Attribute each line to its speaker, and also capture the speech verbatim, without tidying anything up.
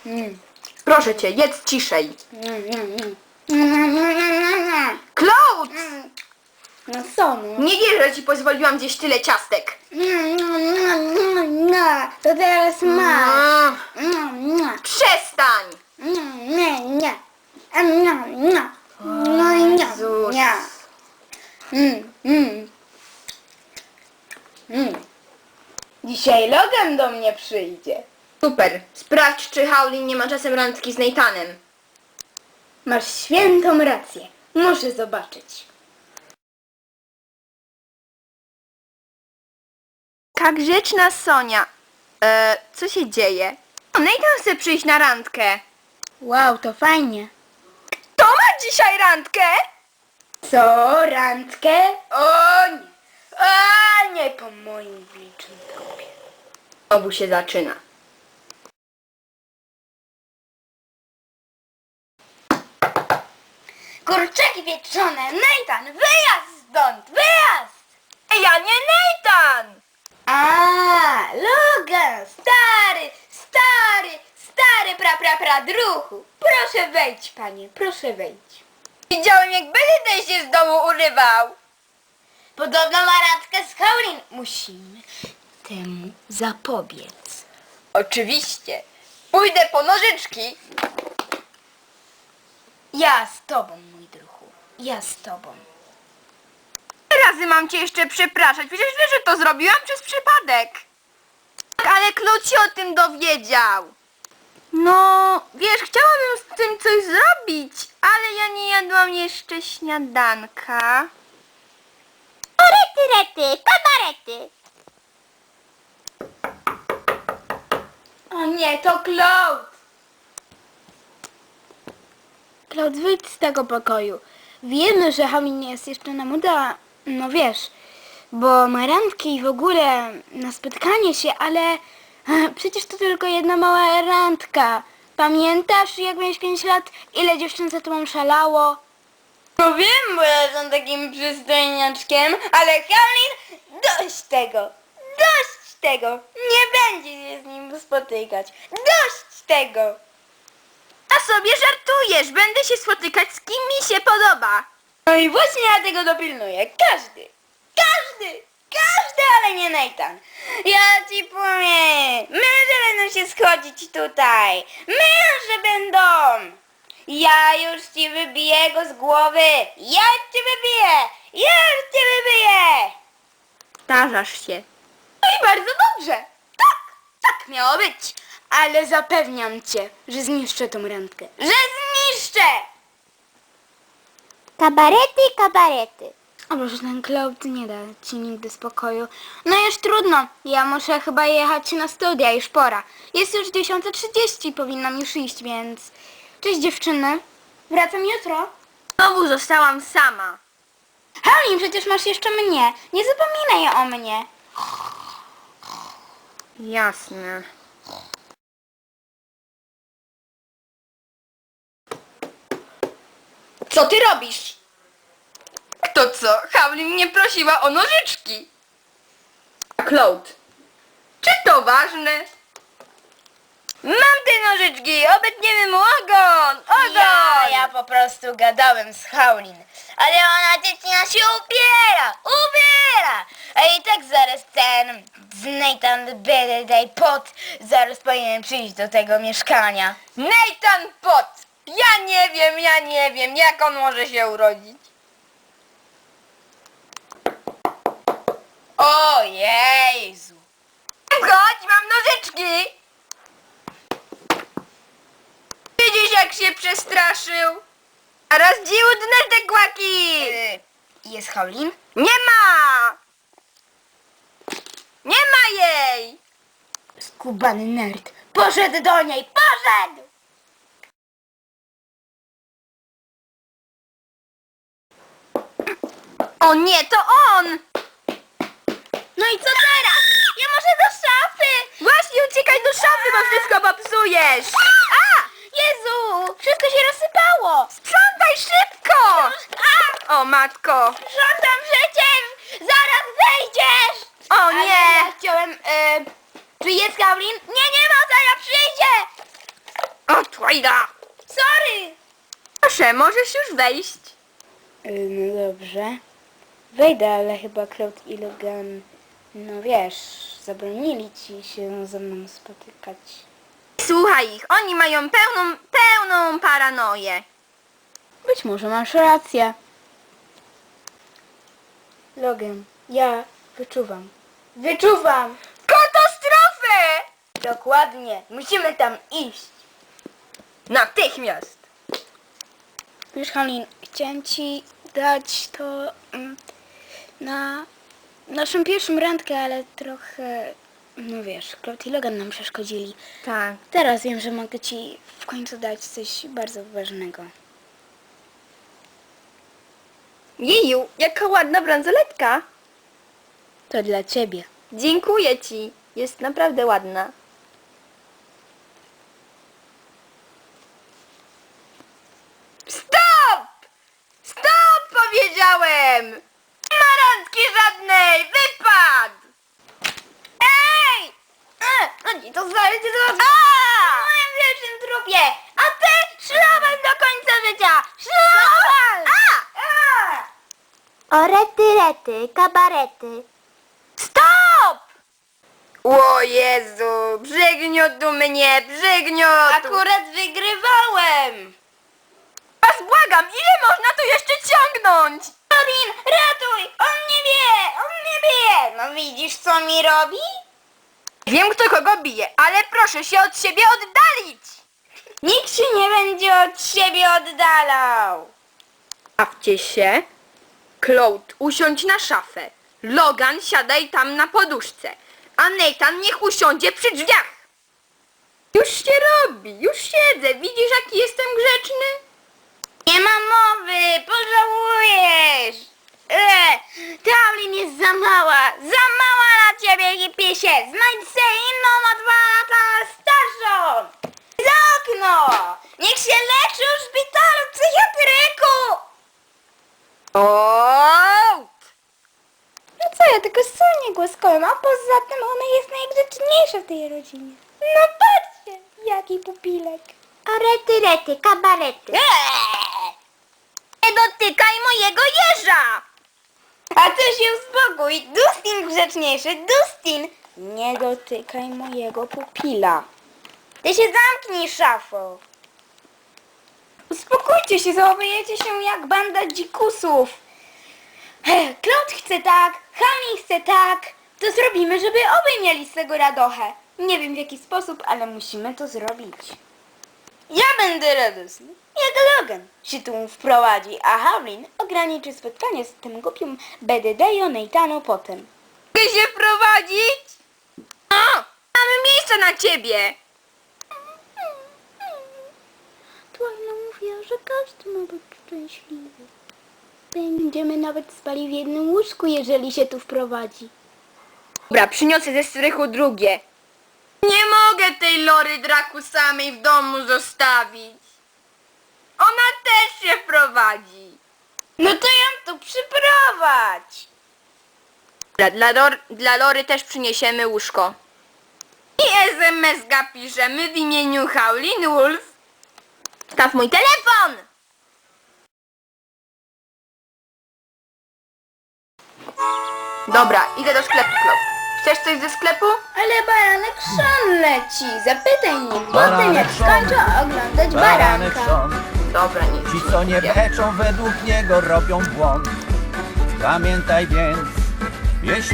Speaker 1: Mm.
Speaker 2: Proszę cię, jedz ciszej.
Speaker 1: Mm, mm, mm.
Speaker 2: Claude!
Speaker 1: No co no?
Speaker 2: Nie wierzę, że ci pozwoliłam zjeść tyle ciastek.
Speaker 1: To teraz masz.
Speaker 2: Mm. Przestań!
Speaker 1: Nie, nie. No i nie.
Speaker 2: Jezus.
Speaker 1: Nie. Mm, mm. Mm. Dzisiaj Logan do mnie przyjdzie.
Speaker 2: Super. Sprawdź, czy Howlin nie ma czasem randki z Nathanem.
Speaker 1: Masz świętą rację. Muszę zobaczyć.
Speaker 2: Taka grzeczna Sonia. E, co się dzieje? O, Nathan chce przyjść na randkę.
Speaker 1: Wow, to fajnie.
Speaker 2: Kto ma dzisiaj randkę?
Speaker 1: Co, randkę? O nie. A nie po moim licznym trupie.
Speaker 2: Obu się zaczyna.
Speaker 1: Kurczaki wieczone, Nathan, wyjazd stąd, wyjazd!
Speaker 2: Ej, ja nie Nathan!
Speaker 1: A, Logan, stary, stary, stary pra pra pra druhu. Proszę wejdź, panie, proszę wejdź.
Speaker 2: Widziałem, jak Benedict się z domu urywał.
Speaker 1: Podobno ma randkę z Howlin. Musimy temu zapobiec.
Speaker 2: Oczywiście. Pójdę po nożyczki.
Speaker 1: Ja z tobą, mój druhu, ja z tobą.
Speaker 2: Razy mam cię jeszcze przepraszać. Przecież wiesz, że to zrobiłam przez przypadek. Tak, ale Claude się o tym dowiedział. No, wiesz, chciałabym z tym coś zrobić, ale ja nie jadłam jeszcze śniadanka.
Speaker 1: Rety, rety, kabarety. O nie, to Claude. Claude, wyjdź z tego pokoju. Wiemy, że Howlin nie jest jeszcze na moda, no wiesz, bo ma randki i w ogóle na spotkanie się, ale e, przecież to tylko jedna mała randka. Pamiętasz, jak miałeś pięć lat, ile dziewczyn za tobą szalało? No wiem, bo ja jestem takim przystojniaczkiem, ale Howlin, dość tego, dość tego, nie będzie się z nim spotykać, dość tego.
Speaker 2: A sobie żartujesz, będę się spotykać z kim mi się podoba.
Speaker 1: No i właśnie ja tego dopilnuję. Każdy, każdy, każdy, ale nie Nathan. Ja ci powiem, męże będą się schodzić tutaj. Męże będą. Ja już ci wybiję go z głowy. Ja cię wybiję. Ja już cię wybiję.
Speaker 2: Starzasz się.
Speaker 1: No i bardzo dobrze. Tak, tak miało być. Ale zapewniam cię, że zniszczę tą randkę. Że zniszczę!
Speaker 3: Kabarety, kabarety.
Speaker 1: O Boże, ten Claude nie da ci nigdy spokoju. No już trudno, ja muszę chyba jechać na studia, już pora. Jest już dziesiąta trzydzieści, powinnam już iść, więc... Cześć dziewczyny, wracam jutro.
Speaker 2: Znowu zostałam sama.
Speaker 1: Howlin, przecież masz jeszcze mnie, nie zapominaj o mnie.
Speaker 2: Jasne.
Speaker 1: Co ty robisz?
Speaker 2: To co? Howlin mnie prosiła o nożyczki. Claude, czy to ważne? Mam te nożyczki, obetniemy mu ogon! Ogon!
Speaker 1: Ja, ja po prostu gadałem z Howlin, ale ona dziewczyna się ubiera, ubiera! A i tak zaraz ten z Nathan Benedict Pot zaraz powinien przyjść do tego mieszkania.
Speaker 2: Nathan Pot! Ja nie wiem, ja nie wiem, jak on może się urodzić.
Speaker 1: O Jezu!
Speaker 2: Chodź, mam nożyczki! Widzisz, jak się przestraszył? A raz dziudne te kłaki!
Speaker 1: Y, Jest Howlin?
Speaker 2: Nie ma! Nie ma jej!
Speaker 1: Skubany nerd. Poszedł do niej, poszedł!
Speaker 2: O nie, to on!
Speaker 1: No i co teraz? Ja może do szafy!
Speaker 2: Właśnie uciekaj do szafy, bo wszystko popsujesz!
Speaker 1: A! Jezu! Wszystko się rozsypało!
Speaker 2: Sprzątaj szybko!
Speaker 1: A!
Speaker 2: O matko!
Speaker 1: Żądam przecież! Zaraz wejdziesz!
Speaker 2: O
Speaker 1: Ale
Speaker 2: nie!
Speaker 1: ja chciałem... E, czy jest Howlin? Nie, nie ma, zaraz przyjdzie!
Speaker 2: Łajda!
Speaker 1: Sorry!
Speaker 2: Proszę, możesz już wejść.
Speaker 1: Y, No dobrze. Wejdę, ale chyba Cloud i Logan, no wiesz, zabronili ci się ze mną spotykać.
Speaker 2: Słuchaj ich, oni mają pełną, pełną paranoję.
Speaker 1: Być może masz rację. Logan, ja wyczuwam. Wyczuwam!
Speaker 2: Katastrofę!
Speaker 1: Dokładnie. Musimy tam iść.
Speaker 2: Natychmiast!
Speaker 1: Wiesz, Halin, chciałem ci dać to mm, na naszą pierwszą randkę, ale trochę, no wiesz, Cloud i Logan nam przeszkodzili.
Speaker 2: Tak.
Speaker 1: Teraz wiem, że mogę ci w końcu dać coś bardzo ważnego.
Speaker 2: Jeju, jaka ładna bransoletka.
Speaker 1: To dla ciebie.
Speaker 2: Dziękuję ci. Jest naprawdę ładna. Stop! Stop, powiedziałem! Nie ma randki żadnej! Wypad! Ej! E, no nie, to znajdzie do... A! W moim wiecznym trupie! A ty szlafem do końca życia! Szlafem! A! A!
Speaker 3: O rety, rety, kabarety.
Speaker 2: Stop! O Jezu, przygniótł mnie, przygniótł!
Speaker 1: Akurat wygrywałem!
Speaker 2: Was błagam, ile można to jeszcze ciągnąć?
Speaker 1: Robin, ratuj! On nie wie! On nie wie! No widzisz, co mi robi?
Speaker 2: Wiem, kto kogo bije, ale proszę się od siebie oddalić!
Speaker 1: Nikt się nie będzie od siebie oddalał!
Speaker 2: Bawcie się. Cloud, usiądź na szafę. Logan, siadaj tam na poduszce. A Nathan niech usiądzie przy drzwiach. Już się robi, już siedzę. Widzisz, jaki jestem grzeczny?
Speaker 1: Nie ma mowy! Pożałujesz! Eee, Taulin jest za mała! Za mała na ciebie, hipiesie! Znajdź se inną o dwa lata starszą! Za okno! Niech się leczy w szpitalu psychiatryku!
Speaker 2: O!
Speaker 1: No co, ja tylko słonię głaskałem, a poza tym ona jest najgrzeczniejsza w tej rodzinie. No patrzcie, jaki pupilek.
Speaker 3: O rety, rety, kabarety.
Speaker 1: Eee!
Speaker 2: Nie dotykaj mojego jeża!
Speaker 1: A ty się uspokój, Dustin grzeczniejszy, Dustin! Nie dotykaj mojego pupila. Ty się zamknij, szafo. Uspokójcie się, zachowujecie się jak banda dzikusów. He, Cloud chce tak, Hani chce tak. To zrobimy, żeby obaj mieli z tego radochę. Nie wiem w jaki sposób, ale musimy to zrobić. Ja będę radosny, jak Logan się tu wprowadzi, a Howlin ograniczy spotkanie z tym głupim B D D-io Nathano potem.
Speaker 2: Mogę się wprowadzić? O! Mamy miejsce na ciebie!
Speaker 1: Twojna mówiła, że każdy ma być szczęśliwy. Będziemy nawet spali w jednym łóżku, jeżeli się tu wprowadzi.
Speaker 2: Dobra, przyniosę ze strychu drugie. Nie mogę tej Lory Draku samej w domu zostawić. Ona też się wprowadzi.
Speaker 1: No to ją tu przyprowadź!
Speaker 2: Dla, dla, Lor, dla Lory też przyniesiemy łóżko. I es em es ga piszemy w imieniu Howlin Wolf. Staw mój telefon! Dobra, idę do sklepu, Cloud. Chcesz coś ze sklepu?
Speaker 1: Ale baranek szon leci. Zapytaj mnie potem,
Speaker 4: Baranek
Speaker 1: jak
Speaker 4: szon.
Speaker 1: skończę oglądać
Speaker 4: Baranek
Speaker 1: baranka.
Speaker 4: są,
Speaker 2: Dobra, nie.
Speaker 4: ci co nie beczą według niego robią błąd. Pamiętaj więc, jeśli